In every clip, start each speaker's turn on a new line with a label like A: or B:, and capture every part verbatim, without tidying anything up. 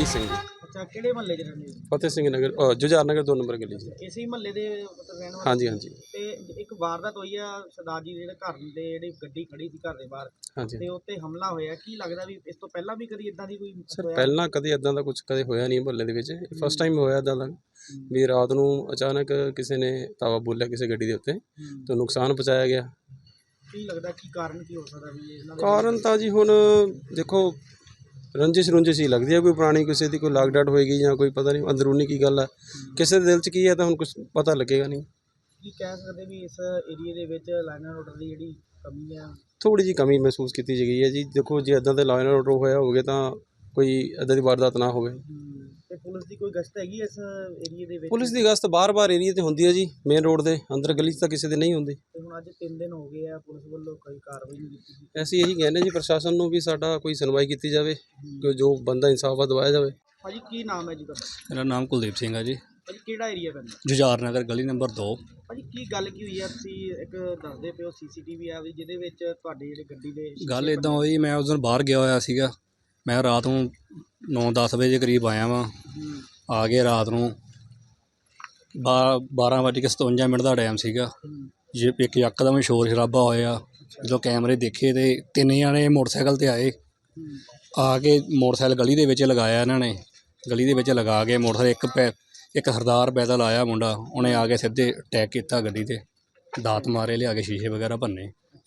A: ਸਿੰਘ ਜੀ।
B: ਅੱਛਾ, ਕਿਹੜੇ ਮਹੱਲੇ 'ਚ ਰਹਿੰਦੇ ਹੋ?
A: ਫਤਿਹ ਸਿੰਘ ਨਗਰ, ਅ, ਜੁਝਾਰ ਨਗਰ ਦੋ ਨੰਬਰ ਗਲੀ ਜੀ।
B: ਇਸੇ ਹੀ ਮਹੱਲੇ ਦੇ ਮਤਲਬ ਰਹਿਣ ਵਾਲੇ?
A: ਹਾਂਜੀ ਹਾਂਜੀ
B: ਤੇ ਇੱਕ ਵਾਰਦਾਤ ਹੋਈ ਆ ਸਰਦਾਰ ਜੀ ਦੇ ਜਿਹੜੇ ਘਰ ਦੇ ਜਿਹੜੀ ਗੱਡੀ ਖੜੀ ਸੀ ਘਰ ਦੇ ਬਾਹਰ,
A: ਹਾਂਜੀ
B: ਤੇ ਉੱਤੇ ਹਮਲਾ ਹੋਇਆ। ਕੀ ਲੱਗਦਾ ਵੀ ਇਸ ਤੋਂ ਪਹਿਲਾਂ ਵੀ ਕਦੀ ਇਦਾਂ ਦੀ ਕੋਈ
A: ਸਰ,
B: ਹੋਇਆ?
A: ਪਹਿਲਾਂ ਕਦੇ ਇਦਾਂ ਦਾ ਕੁਝ ਕਦੇ ਹੋਇਆ ਨਹੀਂ ਮੁਹੱਲੇ ਦੇ ਵਿੱਚ। ਫਸਟ ਟਾਈਮ ਹੋਇਆ ਇਦਾਂ ਦਾ ਵੀ ਰਾਤ ਨੂੰ ਅਚਾਨਕ ਕਿਸੇ ਨੇ ਤਾਵਾ ਬੋਲਿਆ ਕਿਸੇ ਗੱਡੀ ਦੇ ਉੱਤੇ ਤੇ ਨੁਕਸਾਨ ਪਹੁੰਚਾਇਆ ਗਿਆ।
B: ਕੀ ਲੱਗਦਾ ਕੀ ਕਾਰਨ ਕੀ ਹੋ ਸਕਦਾ ਵੀ ਇਹਨਾਂ ਦੇ?
A: ਕਾਰਨ ਤਾਂ ਜੀ ਹੁਣ ਦੇਖੋ, ਰੰਜਿਸ਼ ਰੁੰਜਿਸ਼ ਹੀ ਲੱਗਦੀ ਹੈ, ਕੋਈ ਪੁਰਾਣੀ ਕਿਸੇ ਦੀ ਕੋਈ ਲਾਗ ਡਾਟ ਹੋਏਗੀ ਜਾਂ ਕੋਈ ਪਤਾ ਨਹੀਂ ਅੰਦਰੂਨੀ ਕੀ ਗੱਲ ਹੈ, ਕਿਸੇ ਦੇ ਦਿਲ 'ਚ ਕੀ ਹੈ ਤਾਂ ਹੁਣ ਕੁਝ ਪਤਾ ਲੱਗੇਗਾ ਨਹੀਂ।
B: ਕੀ ਕਹਿ ਸਕਦੇ ਵੀ ਇਸ ਏਰੀਏ ਦੇ ਵਿੱਚ ਲਾਈਨ ਐਂਡ ਆਰਡਰ ਦੀ ਜਿਹੜੀ ਕਮੀ ਆ?
A: ਥੋੜ੍ਹੀ ਜਿਹੀ ਕਮੀ ਮਹਿਸੂਸ ਕੀਤੀ ਗਈ ਹੈ ਜੀ। ਦੇਖੋ, ਜੇ ਇੱਦਾਂ ਦੇ ਲਾਈਨ ਐਂਡ ਆਰਡਰ ਹੋਇਆ ਹੋਵੇ ਤਾਂ ਕੋਈ ਇੱਦਾਂ ਦੀ ਵਾਰਦਾਤ ਨਾ ਹੋਵੇ।
B: ਤੇ ਪੁਲਿਸ ਦੀ ਕੋਈ ਗਸ਼ਤ ਹੈਗੀ ਇਸ ਏਰੀਏ ਦੇ ਵਿੱਚ?
A: ਪੁਲਿਸ ਦੀ ਗਸ਼ਤ ਬਾਰ-ਬਾਰ ਏਰੀਏ 'ਤੇ ਹੁੰਦੀ ਹੈ ਜੀ, ਮੇਨ ਰੋਡ ਦੇ ਅੰਦਰ ਗਲੀ 'ਚ ਤਾਂ ਕਿਸੇ ਦੇ ਨਹੀਂ ਹੁੰਦੀ।
B: ਤੇ ਹੁਣ ਅੱਜ ਤਿੰਨ ਦਿਨ ਹੋ ਗਏ ਆ, ਪੁਲਿਸ ਵੱਲੋਂ ਕੋਈ ਕਾਰਵਾਈ ਨਹੀਂ ਕੀਤੀ।
A: ਅਸੀਂ ਇਹੀ ਕਹਿੰਦੇ ਜੀ ਪ੍ਰਸ਼ਾਸਨ ਨੂੰ ਵੀ ਸਾਡਾ ਕੋਈ ਸੁਣਵਾਈ ਕੀਤੀ ਜਾਵੇ, ਕਿ ਜੋ ਬੰਦਾ ਇਨਸਾਫ ਦਵਾਇਆ ਜਾਵੇ।
B: ਭਾਜੀ ਕੀ ਨਾਮ ਹੈ ਜੀ ਤੁਹਾਡਾ?
C: ਮੇਰਾ ਨਾਮ ਕੁਲਦੀਪ ਸਿੰਘ ਹੈ ਜੀ।
B: ਭਾਜੀ ਕਿਹੜਾ ਏਰੀਆ ਪੈਂਦਾ?
C: ਜੁਝਾਰ ਨਗਰ ਗਲੀ ਨੰਬਰ ਦੋ।
B: ਭਾਜੀ ਕੀ ਗੱਲ ਕੀ ਹੋਈ ਆ? ਤੁਸੀਂ ਇੱਕ ਦੱਸਦੇ ਪਿਓ ਸੀਸੀਟੀਵੀ ਆ ਵੀ ਜਿਹਦੇ ਵਿੱਚ ਤੁਹਾਡੀ ਜਿਹੜੀ ਗੱਡੀ ਦੇ
C: ਗੱਲ ਇੱਦਾਂ ਹੋਈ, ਮੈਂ ਉਸ ਦਿਨ ਬਾਹਰ ਗਿਆ ਹੋਇਆ ਸੀਗਾ। ਮੈਂ ਰਾਤ ਨੂੰ ਨੌ ਦਸ ਵਜੇ ਦੇ ਕਰੀਬ ਆਇਆ ਵਾਂ। ਆ ਕੇ ਰਾਤ ਨੂੰ ਬਾ ਬਾਰਾਂ ਵੱਜ ਕੇ ਸਤਵੰਜਾ ਮਿੰਟ ਦਾ ਟਾਈਮ ਸੀਗਾ। ਜੇ ਇੱਕ ਯਕਦਮ ਸ਼ੋਰ ਸ਼ਰਾਬਾ ਹੋਇਆ। ਜਦੋਂ ਕੈਮਰੇ ਦੇਖੇ ਤੇ ਤਿੰਨ ਜਣੇ ਮੋਟਰਸਾਈਕਲ 'ਤੇ ਆਏ। ਆ ਕੇ ਮੋਟਰਸਾਈਕਲ ਗਲੀ ਦੇ ਵਿੱਚ ਲਗਾਇਆ ਇਹਨਾਂ ਨੇ। ਗਲੀ ਦੇ ਵਿੱਚ ਲਗਾ ਕੇ ਮੋਟਰਸਾਈਕਲ ਇੱਕ ਪੈ ਇੱਕ ਸਰਦਾਰ ਪੈਦਲ ਆਇਆ ਮੁੰਡਾ, ਉਹਨੇ ਆ ਕੇ ਸਿੱਧੇ ਅਟੈਕ ਕੀਤਾ ਗੱਡੀ 'ਤੇ, ਦਾਤ ਮਾਰੇ, ਲਿਆ ਕੇ ਸ਼ੀਸ਼ੇ ਵਗੈਰਾ ਭੰਨੇ।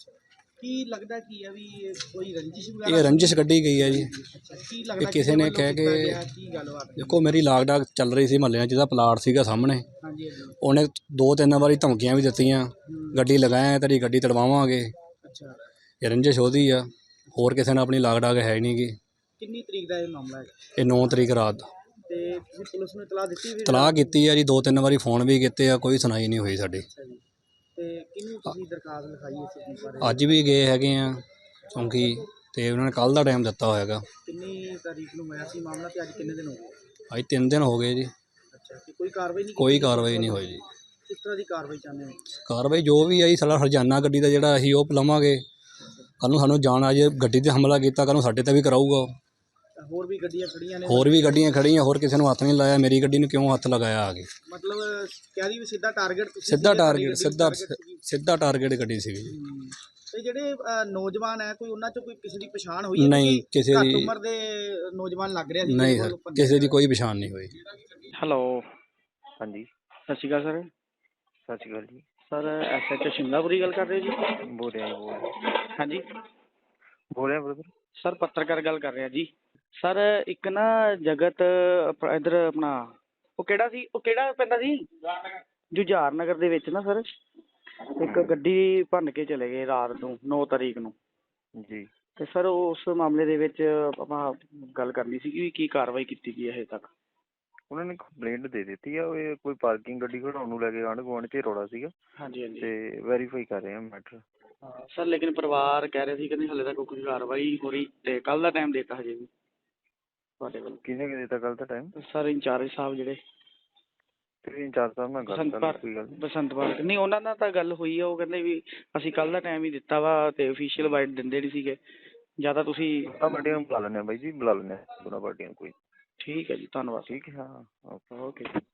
B: ਕੀ ਲੱਗਦਾ ਕੀ ਆ ਵੀ ਇਹ ਕੋਈ ਰੰਜਿਸ਼ ਵਗੈਰਾ?
C: ਇਹ ਰੰਜਿਸ਼ ਕੱਢੀ ਗਈ ਹੈ ਜੀ।
B: ਕੀ ਲੱਗਦਾ
C: ਕਿਸੇ ਨੇ ਕਹਿ ਕੇ
B: ਕੀ ਗੱਲਬਾਤ?
C: ਦੇਖੋ, ਮੇਰੀ ਲਾਗ ਡਾਕ ਚੱਲ ਰਹੀ ਸੀ ਮਹੱਲੇ 'ਚ, ਜਿਹਦਾ ਪਲਾਟ ਸੀਗਾ ਸਾਹਮਣੇ।
B: ਹਾਂਜੀ ਹਾਂਜੀ।
C: ਉਹਨੇ ਦੋ ਤਿੰਨ ਵਾਰੀ ਧਮਕੀਆਂ ਵੀ ਦਿੱਤੀਆਂ, ਗੱਡੀ ਲਗਾਇਆ ਤੇਰੀ ਗੱਡੀ ਤੜਵਾਵਾਂਗੇ।
B: ਅੱਛਾ।
C: ਇਹ ਰੰਜਿਸ਼ ਉਹਦੀ ਆ, ਹੋਰ ਕਿਸੇ ਨਾਲ ਆਪਣੀ ਲਾਗ ਡਾਕ ਹੈ ਨਹੀਂ ਗੀ।
B: ਕਿੰਨੀ ਤਰੀਕ ਦਾ ਇਹ ਮਾਮਲਾ ਹੈ?
C: ਇਹ ਨੌ ਤਰੀਕ ਰਾਤ ਦਾ।
B: ਤੇ ਤੁਸੀਂ ਪੁਲਿਸ ਨੂੰ ਇਤਲਾਹ ਦਿੱਤੀ ਵੀ?
C: ਤਲਾਹ ਕੀਤੀ ਆ ਜੀ, ਦੋ ਤਿੰਨ ਵਾਰੀ ਫੋਨ ਵੀ ਕੀਤੇ ਆ, ਕੋਈ ਸੁਣਾਈ ਨਹੀਂ ਹੋਈ ਸਾਡੀ।
B: ਅੱਛਾ ਜੀ। ਤੇ ਕਿਹਨੂੰ ਤੁਸੀਂ ਦਰਖਾਸਤ ਲਿਖਾਈ ਇਸ ਚੀਜ਼ ਬਾਰੇ?
C: ਅੱਜ ਵੀ ਗਏ ਹੈਗੇ ਆ ਚੌਂਕੀ, ਤੇ ਉਹਨਾਂ ਨੇ ਕੱਲ੍ਹ ਦਾ ਟਾਈਮ ਦਿੱਤਾ ਹੋਏਗਾ।
B: ਕਿੰਨੀ ਤਾਰੀਖ ਨੂੰ ਹੋਇਆ ਸੀ ਮਾਮਲਾ ਤੇ ਅੱਜ ਕਿੰਨੇ ਦਿਨ ਹੋ ਗਏ?
C: ਅੱਜ ਤਿੰਨ ਦਿਨ ਹੋ ਗਏ ਜੀ।
B: ਅੱਛਾ। ਤੇ ਕੋਈ ਕਾਰਵਾਈ ਨਹੀਂ?
C: ਕੋਈ ਕਾਰਵਾਈ ਨਹੀਂ ਹੋਈ ਜੀ।
B: ਕਿਸ ਤਰ੍ਹਾਂ ਦੀ ਕਾਰਵਾਈ ਚਾਹੁੰਦੇ ਹੋ?
C: ਕਾਰਵਾਈ ਜੋ ਵੀ ਆਈ ਸਾਡਾ ਹਰਜਾਨਾ ਗੱਡੀ ਦਾ ਜਿਹੜਾ ਅਸੀਂ ਉਹ ਲਵਾਂਗੇ। ਕੱਲ੍ਹ ਨੂੰ ਸਾਨੂੰ ਜਾਣ ਆ ਜੇ ਗੱਡੀ 'ਤੇ ਹਮਲਾ ਕੀਤਾ, ਕੱਲ੍ਹ ਨੂੰ ਸਾਡੇ 'ਤੇ ਵੀ ਕਰਾਊਗਾ।
B: ਹੋਰ ਵੀ ਗੱਡੀਆਂ ਖੜੀਆਂ ਨੇ?
C: ਹੋਰ ਵੀ ਗੱਡੀਆਂ ਖੜੀਆਂ, ਹੋਰ ਕਿਸੇ ਨੂੰ ਹੱਥ ਨਹੀਂ ਲਾਇਆ। ਮੇਰੀ ਗੱਡੀ ਨੂੰ ਕਿਉਂ ਹੱਥ ਲਗਾਇਆ ਆ ਕੇ?
B: ਮਤਲਬ ਕਹਿ ਰਹੀ ਵੀ ਸਿੱਧਾ ਟਾਰਗੇਟ ਤੁਸੀਂ?
C: ਸਿੱਧਾ ਟਾਰਗੇਟ, ਸਿੱਧਾ ਸਿੱਧਾ ਟਾਰਗੇਟ ਗੱਡੀ ਸੀਗੀ ਜੀ।
B: ਤੇ ਜਿਹੜੇ ਅ, ਨੌਜਵਾਨ ਹੈ, ਕੋਈ ਉਹਨਾਂ 'ਚ ਕੋਈ ਕਿਸੇ ਦੀ ਪਛਾਣ ਹੋਈ ਹੈ?
C: ਨਹੀਂ, ਕਿਸੇ
B: ਘੱਟ
C: ਦੀ
B: ਉਮਰ ਦੇ ਨੌਜਵਾਨ ਲੱਗ ਰਿਹਾ ਸੀ?
C: ਨਹੀਂ ਸਰ, ਕਿਸੇ ਦੀ ਕੋਈ ਪਛਾਣ ਨਹੀਂ ਹੋਈ।
B: ਹੈਲੋ।
D: ਹਾਂਜੀ,
B: ਸਤਿ ਸ਼੍ਰੀ ਅਕਾਲ ਸਰ।
D: ਸਤਿ ਸ਼੍ਰੀ ਅਕਾਲ ਜੀ।
B: Sir S H O Shimlapuri ਗੱਲ ਕਰ ਰਹੇ ਹੋ ਜੀ?
D: ਬੋਲ ਰਿਹਾ ਜੀ, ਬੋਲ ਰਿਹਾ
B: ਹਾਂਜੀ
D: ਬੋਲ ਰਿਹਾ ਬ੍ਰਦਰ।
B: ਸਰ, ਪੱਤਰਕਾਰ ਗੱਲ ਕਰ ਰਿਹਾ ਜੀ। ਸਰ ਇੱਕ ਨਾ ਜਗਤ ਅਪ- ਇੱਧਰ ਆਪਣਾ ਉਹ ਕਿਹੜਾ ਸੀ, ਉਹ ਕਿਹੜਾ ਪੈਂਦਾ ਸੀ? ਜੁਝਾਰ ਨਗਰ ਦੇ ਵਿੱਚ ਨਾ ਸਰ ਇੱਕ ਗੱਡੀ ਭੰਨ ਕੇ ਚਲੇ ਗਏ ਰਾਤ ਨੂੰ, ਨੌ ਤਾਰੀਖ ਨੂੰ
D: ਜੀ।
B: ਤੇ ਸਰ ਉਸ ਮਾਮਲੇ ਦੇ ਵਿੱਚ ਆਪਾਂ ਗੱਲ ਕਰਨੀ ਸੀ ਕਿ ਕੀ ਕਾਰਵਾਈ ਕੀਤੀ ਗਈ ਹੈ ਹਜੇ ਤੱਕ?
D: ਉਹਨਾਂ ਨੇ ਕੰਪਲੇਂਟ ਦੇ ਦਿੱਤੀ ਆ, ਉਹ ਇਹ ਕੋਈ ਪਾਰਕਿੰਗ ਗੱਡੀ ਖੜਾਉਣ ਨੂੰ ਲੈ ਕੇ ਆਂਢ ਗੁਆਂਢ 'ਚ ਰੌਲਾ ਸੀਗਾ।
B: ਹਾਂਜੀ ਹਾਂਜੀ।
D: ਤੇ ਵੈਰੀਫਾਈ ਕਰ ਰਹੇ ਆ ਮੈਟਰ।
B: ਸਰ ਲੇਕਿਨ ਪਰਿਵਾਰ ਕਹਿ ਰਹੇ ਸੀ ਕਿ ਨਹੀਂ ਹਾਲੇ ਤੱਕ ਕੋਈ ਕਾਰਵਾਈ ਹੋ ਰਹੀ, ਤੇ ਕੱਲ੍ਹ ਦਾ ਟਾਈਮ ਦੇਤਾ ਹਜੇ ਵੀ ਤੁਹਾਡੇ ਵੱਲ?
D: ਕਿਹਨੇ ਕਿ ਦਿੱਤਾ ਕੱਲ੍ਹ ਦਾ ਟਾਈਮ?
B: ਸਰ ਇੰਚਾਰਜ ਸਾਹਿਬ ਜਿਹੜੇ
D: ਤੇ ਇੰਚਾਰਜ ਸਾਹਿਬ ਨਾਲ ਗੱਲ
B: ਬਸੰਤ
D: ਕਰ
B: ਪਾਰਕ,
D: ਕੋਈ ਗੱਲ ਨਹੀਂ।
B: ਬਸੰਤ ਪਾਰਕ ਨਹੀਂ, ਉਹਨਾਂ ਨਾਲ ਤਾਂ ਗੱਲ ਹੋਈ ਆ। ਉਹ ਕਹਿੰਦੇ ਵੀ ਅਸੀਂ ਕੱਲ੍ਹ ਦਾ ਟਾਈਮ ਹੀ ਦਿੱਤਾ ਵਾ ਤੇ ਅਫੀਸ਼ੀਅਲ ਵਾਈਟ ਦਿੰਦੇ ਨਹੀਂ ਸੀਗੇ। ਜ਼ਿਆਦਾ ਤੁਸੀਂ
D: ਦੋਨਾਂ ਪਾਰਟੀਆਂ ਨੂੰ ਬੁਲਾ ਲੈਂਦੇ ਆ ਬਾਈ ਜੀ, ਬੁਲਾ ਲੈਂਦੇ ਆ ਦੋਨਾਂ ਪਾਰਟੀਆਂ ਨੂੰ। ਕੋਈ
B: ਠੀਕ ਹੈ ਜੀ, ਧੰਨਵਾਦ।
D: ਠੀਕ ਹੈ, ਹਾਂ ਓਕੇ।
B: ਓਕੇ।